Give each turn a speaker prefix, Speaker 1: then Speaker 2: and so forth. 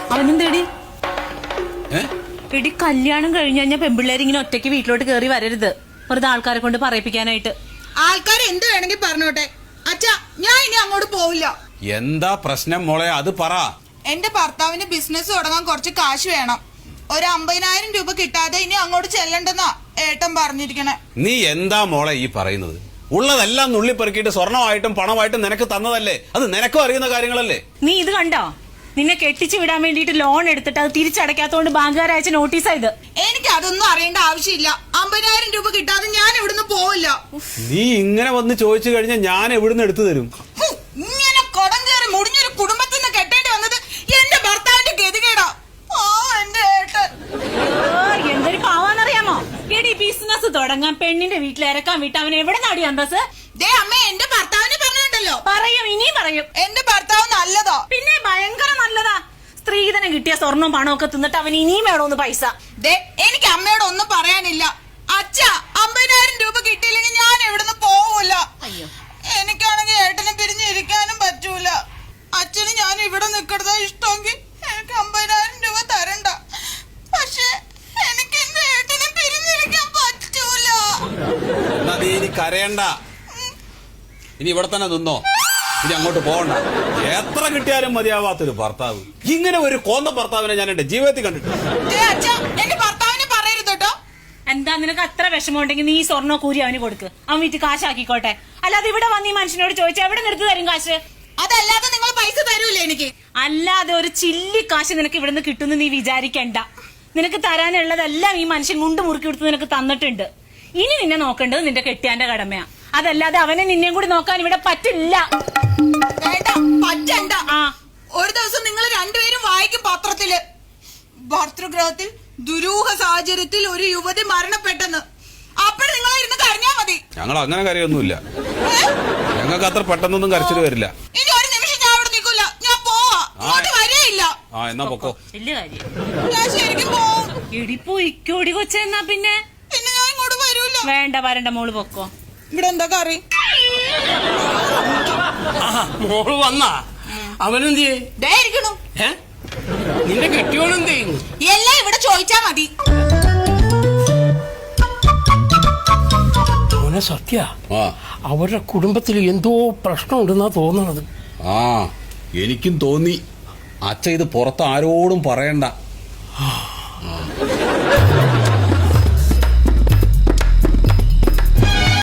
Speaker 1: അവനും തേടി എടി കല്യാണം കഴിഞ്ഞു കഴിഞ്ഞാൽ പെമ്പിള്ളേർ ഇങ്ങനെ ഒറ്റയ്ക്ക് വീട്ടിലോട്ട് കയറി വരരുത്, വെറുതെ ആൾക്കാരെ കൊണ്ട് പറയിപ്പിക്കാനായിട്ട്.
Speaker 2: ആൾക്കാർ എന്ത് വേണമെങ്കിൽ പറഞ്ഞോട്ടെ അച്ഛാ, ഞാൻ ഇനി അങ്ങോട്ട് പോവില്ല.
Speaker 3: എന്താ പ്രശ്നം മോളെ, അത് പറ.
Speaker 2: എന്റെ ഭർത്താവിന് ബിസിനസ് തുടങ്ങാൻ കുറച്ച് കാശ് വേണം. ഒരു 50,000 രൂപ കിട്ടാതെ ഇനി അങ്ങോട്ട് ചെല്ലണ്ടെന്നാ ഏട്ടൻ പറഞ്ഞിരിക്കണേ.
Speaker 3: നീ എന്താ മോളെ ഈ പറയുന്നത്? ഉള്ളതെല്ലാം നുള്ളിപ്പെറുക്കിയിട്ട് സ്വർണമായിട്ടും പണമായിട്ടും നിനക്ക് തന്നതല്ലേ, അത് നിനക്കും അറിയുന്ന കാര്യങ്ങളല്ലേ.
Speaker 1: നീ ഇത് കണ്ടോ? നിന്നെ കെട്ടിച്ചു വിടാൻ വേണ്ടിട്ട് ലോൺ എടുത്തിട്ട് അത് തിരിച്ചടയ്ക്കാത്തോണ്ട് ബാങ്കുകാർ അയച്ച നോട്ടീസായത്.
Speaker 2: എനിക്ക് അതൊന്നും അറിയേണ്ട ആവശ്യമില്ല. 50,000 രൂപ കിട്ടാതെ ഞാൻ ഇവിടുന്ന് പോവില്ല.
Speaker 3: നീ ഇങ്ങനെ വന്ന് ചോദിച്ചു കഴിഞ്ഞാൽ ഞാൻ എവിടുന്ന് എടുത്തു തരും?
Speaker 2: ഇങ്ങനെ കടം കയറി മുടിഞ്ഞൊരു കുടുംബത്തിൽ നിന്ന് കെട്ടേണ്ടി വന്നത് എന്റെ ഭർത്താവിന്റെ ഗതികേടാ. എന്റെ ഏട്ടൻ
Speaker 1: എന്തൊരു പാവാന്നറിയാമോ? എടി ബിസിനസ് തുടങ്ങാൻ പെണ്ണിന്റെ വീട്ടിൽ ഇറക്കാൻ വിട്ട് അവൻ എവിടെ നാടി അന്തസ്?
Speaker 2: അമ്മ എന്റെ ഭർത്താവിനെ പറഞ്ഞിട്ടുണ്ടല്ലോ.
Speaker 1: പറയും, ഇനിയും പറയും.
Speaker 2: എന്റെ ഭർത്താവ് നല്ലതാ.
Speaker 1: പിന്നെ ഭയങ്കര നല്ലതാ. സ്ത്രീധനം കിട്ടിയ സ്വർണവും പണവും ഒക്കെ തിന്നിട്ട് അവൻ ഇനിയും വേണോന്ന് പൈസ.
Speaker 2: എനിക്ക് അമ്മയോട് ഒന്നും പറയാനില്ല. അച്ഛാ, 50,000 രൂപ കിട്ടിയില്ലെങ്കിൽ ഞാൻ എവിടുന്ന് പോവൂല. എനിക്കാണെങ്കിൽ ഏട്ടനെ പിരിഞ്ഞിരിക്കാനും പറ്റൂല. അച്ഛന് ഞാൻ ഇവിടെ നിൽക്കുന്നതാ ഇഷ്ടമെങ്കിൽ എനിക്ക് 50,000 രൂപ തരണ്ട. പക്ഷെ എനിക്ക് എന്റെ ഏട്ടനെ പിരിഞ്ഞിരിക്കാൻ പറ്റൂല.
Speaker 3: നീ കരയണ്ട, ഇനി ഇവിടെ തന്നെ നിന്നോ, ഇനി അങ്ങോട്ട് പോകണ്ട. എത്ര കിട്ടിയാലും മതിയാവാത്തൊരു ഭർത്താവ്, ഇങ്ങനെ ഒരു കോന്ന ഭർത്താവിനെ ഞാൻ എന്റെ ജീവിതത്തിൽ കണ്ടിട്ടുണ്ട്.
Speaker 2: എന്റെ ഭർത്താവിനെ പറയരുത് കേട്ടോ.
Speaker 1: എന്താ നിനക്ക് അത്ര വിഷമമുണ്ടെങ്കിൽ നീ സ്വർണ്ണ കൂരി അവന് കൊടുക്ക്, അവൻ വീട്ടിൽ കാശാക്കിക്കോട്ടെ. അല്ലാതെ ഇവിടെ വന്ന് ഈ മനുഷ്യനോട് ചോദിച്ചാൽ എവിടെ നിർത്തി തരും കാശ്?
Speaker 2: അതല്ലാതെ നിങ്ങൾ പൈസ തരൂലേ എനിക്ക്?
Speaker 1: അല്ലാതെ ഒരു ചില്ലി കാശ് നിനക്ക് ഇവിടുന്ന് കിട്ടുമെന്ന് നീ വിചാരിക്കണ്ട. നിനക്ക് തരാനുള്ളതെല്ലാം ഈ മനുഷ്യൻ മുണ്ട് മുറുക്കി കൊടുത്ത് നിനക്ക് തന്നിട്ടുണ്ട്. ഇനി നിന്നെ നോക്കേണ്ടത് നിന്റെ കെട്ടിയാന്റെ കടമയാ. അതല്ലാതെ അവനെ നിന്നെയും കൂടി നോക്കാൻ ഇവിടെ പറ്റില്ല.
Speaker 2: പറ്റണ്ട. ഒരു ദിവസം നിങ്ങൾ രണ്ടുപേരും വായിക്കും പത്രത്തില്, ഭർതൃഗ്രഹത്തിൽ ദുരൂഹ സാഹചര്യത്തിൽ ഒരു യുവതി മരണപ്പെട്ടെന്ന്. അപ്പോൾ നിങ്ങൾ ഇരുന്ന് കരഞ്ഞാ മതി.
Speaker 3: ഞങ്ങൾ അങ്ങനെ കരയൊന്നുമില്ല, ഞങ്ങൾക്ക് അത്ര പെട്ടെന്നൊന്നും കരച്ചിട്ട് വരില്ല.
Speaker 2: ഇനി ഒരു നിമിഷം ഞാൻ അവിടെ നിൽക്കില്ല, ഞാൻ പോവാ. ഇങ്ങോട്ട് വരെയില്ല.
Speaker 3: എന്നാ പൊക്കോ.
Speaker 1: വലിയ കാര്യം.
Speaker 2: ഞാൻ ശരിക്കും പോവും.
Speaker 1: ഇടിപ്പോ ഇക്കോടി കൊച്ചെന്നാ പിന്നെ
Speaker 2: ഞാൻ ഇങ്ങോട്ട് വരൂല.
Speaker 1: വേണ്ട, വരണ്ട, മോള് പൊക്കോ.
Speaker 2: ഇവിടെ എന്താ കറി?
Speaker 4: മോള് വന്നാ? അവനെന്ത്
Speaker 2: ഇരിക്കണു.
Speaker 4: നിന്റെ കെട്ടിയോണെന്ത് ചെയ്യുന്നു?
Speaker 2: എല്ലാം ഇവിടെ ചോദിച്ചാ മതി.
Speaker 4: മോനെ സത്യ, അവരുടെ കുടുംബത്തിൽ എന്തോ പ്രശ്നമുണ്ടെന്നാ തോന്നണത്.
Speaker 3: എനിക്കും തോന്നി. അച്ഛ ഇത് പുറത്ത് ആരോടും പറയണ്ട.